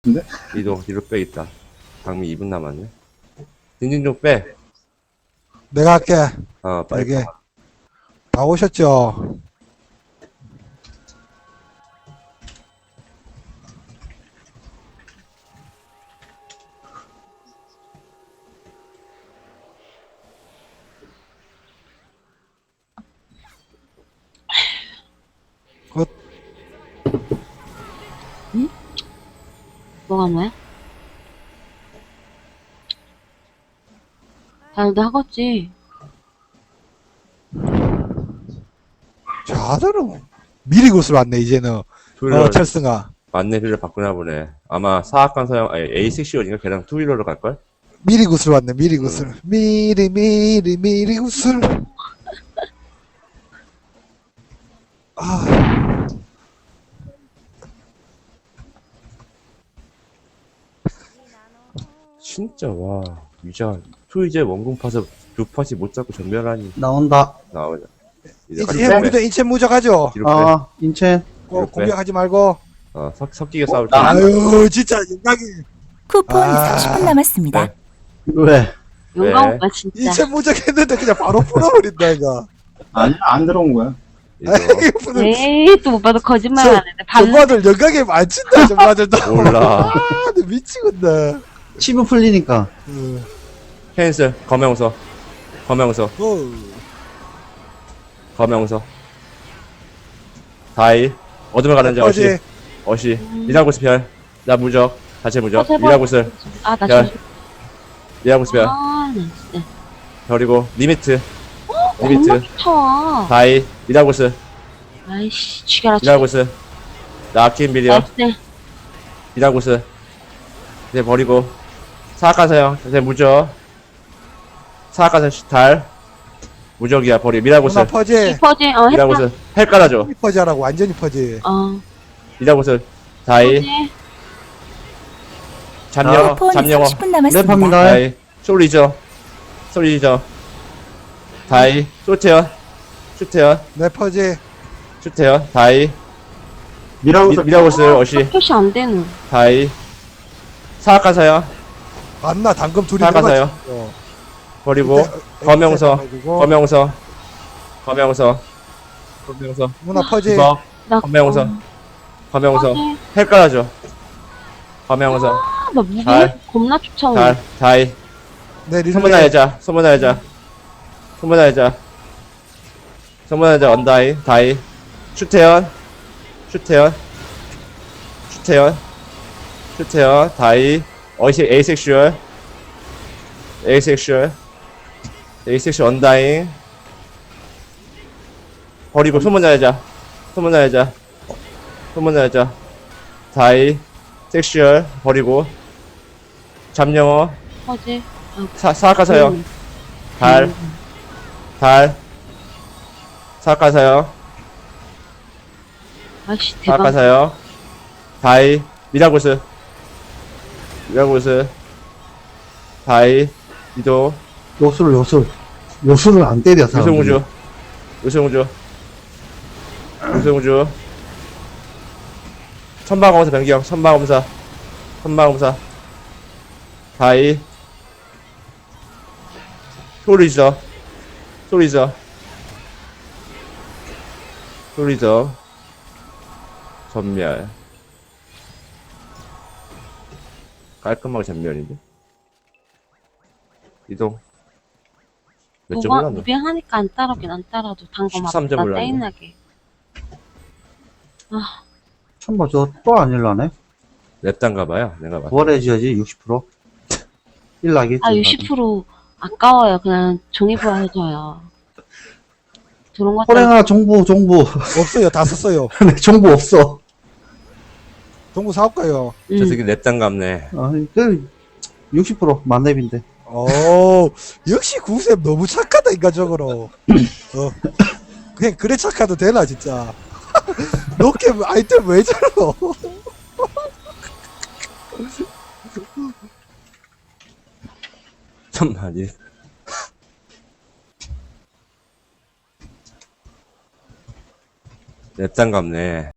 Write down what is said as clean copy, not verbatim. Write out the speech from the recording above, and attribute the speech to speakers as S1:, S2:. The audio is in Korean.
S1: 근데?
S2: 이동 뒤로 빼 있다. 장미 2분 남았네. 딘딘 좀 빼.
S3: 내가 할게.
S2: 빨리
S3: 되게.
S2: 가.
S3: 다 오셨죠? 굿.
S4: 뭐가 뭐야? 다들 하겠지.
S3: 자들은 미리 구슬 왔네, 이제는.
S2: 투일러
S3: 찰승아.
S2: 만내비를 바꾸나 보네. 아마 사악한 서양 A6시온인가 걔랑 투일러로 갈걸?
S3: 미리 구슬 왔네, 미리 구슬. 미리 구슬. 아,
S2: 진짜 와 유자 투이제 원궁 파서 두 팟이 못 잡고 전멸하니
S1: 나온다.
S2: 나오자. 이제
S3: 인체 무적하죠?
S2: 뒤로 빼.
S1: 아, 인첸.
S2: 이렇게.
S3: 공격하지 말고.
S2: 섞이게 싸울 때.
S3: 아유, 진짜, 영광이.
S5: 쿠폰
S3: 아.
S5: 30분 남았습니다.
S2: 네.
S1: 왜?
S4: 용감
S2: 네.
S4: 오빠 진짜.
S3: 인체 무적했는데 그냥 바로 풀어버린다, 이거.
S1: 아니, 안 들어온 거야.
S2: 이거
S3: 아이고,
S4: 에이 또 오빠도 거짓말 안 했네.
S3: 정마들 영광에 많친다, 정마들도.
S2: 몰라.
S3: 아, 나 미치겠네.
S1: 치부 풀리니까.
S2: 캔슬 검명서 검명서 다이 어둠을 가는 자 어시 미라구스 별나 무적 자체 무적
S4: 제발.
S2: 미라구스
S4: 아나
S2: 별.
S4: 진짜.
S2: 미라구스 별
S4: 아나 진짜.
S2: 별이고 리미트
S4: 겁나 좋다.
S2: 다이 미라구스
S4: 아이씨 죽여라.
S2: 미라구스 나 아킨 비디오
S4: 나이스.
S2: 미라구스 이제 버리고 사악한 사형 이제 무적 사악한 사형 달 무적이야 버리 미라구스
S3: 누나 퍼지.
S4: 퍼지 했다.
S2: 미라구스 헬 깔아줘
S3: 퍼지하라고, 완전히 퍼지.
S2: 미라구스 다이
S4: 퍼지.
S2: 잠영어
S5: 쿠폰
S2: 잠영어
S5: 30분 남았습니다.
S1: 랩합니다.
S2: 다이 솔리죠 다이 슈테어
S3: 내 퍼지.
S2: 다이
S1: 미라우스.
S2: 미라구스 어시
S4: 표시 안 되는.
S2: 다이 사악한 사형
S3: 맞나, 당금 둘이
S2: 사악한
S3: 들어갔지.
S2: 사형 버리고 검명서
S3: 누나 퍼지.
S2: 주석
S4: 나
S2: 검명서
S4: 퍼지.
S2: 헬 깔아줘 검명서
S4: 나 무기
S2: 달.
S4: 겁나 쫓아오네.
S2: 다이
S3: 내 릴레이.
S2: 소문나야자 언다이 다이 슈테연 다이 어시 에이섹슈얼 언다잉 버리고 소문나야자 다이 섹슈얼 버리고 잠영어
S4: 퍼지.
S2: 사악한 사형 달 사악한 사형
S4: 아이씨
S2: 사악한
S4: 대박.
S2: 사형 다이 미라구스 다이 이도
S1: 요술을 안 때려, 사람들이.
S2: 유승우주 천방검사 변경 천방검사 다이 소리저 전멸 깔끔하게 전멸인데 이동 몇 점 올랐노?
S4: 무빙하니까 안 따라오긴 안 따라도 단거
S2: 13점
S4: 맞다
S2: 올랐네.
S4: 떼인하게.
S1: 천바 저또 안 일라네?
S2: 랩단 가봐요 내가 봤을
S1: 부활해줘야지, 60%. 일라겠지.
S4: 아 60% 아까워요. 그냥 종이부화 해줘요. 그런 것 때문에
S1: 호랭아, 정부.
S3: 없어요, 다 썼어요.
S1: 내 정부 없어.
S3: 동구 사올까요?
S2: 저 새끼 랩단 갑네
S1: 아, 60% 만렙인데.
S3: 역시 구셉 너무 착하다, 인간적으로. 그냥 그래 착해도 되나, 진짜. 너게 아이템 왜 저러?
S2: 잠깐만 랩단 갑네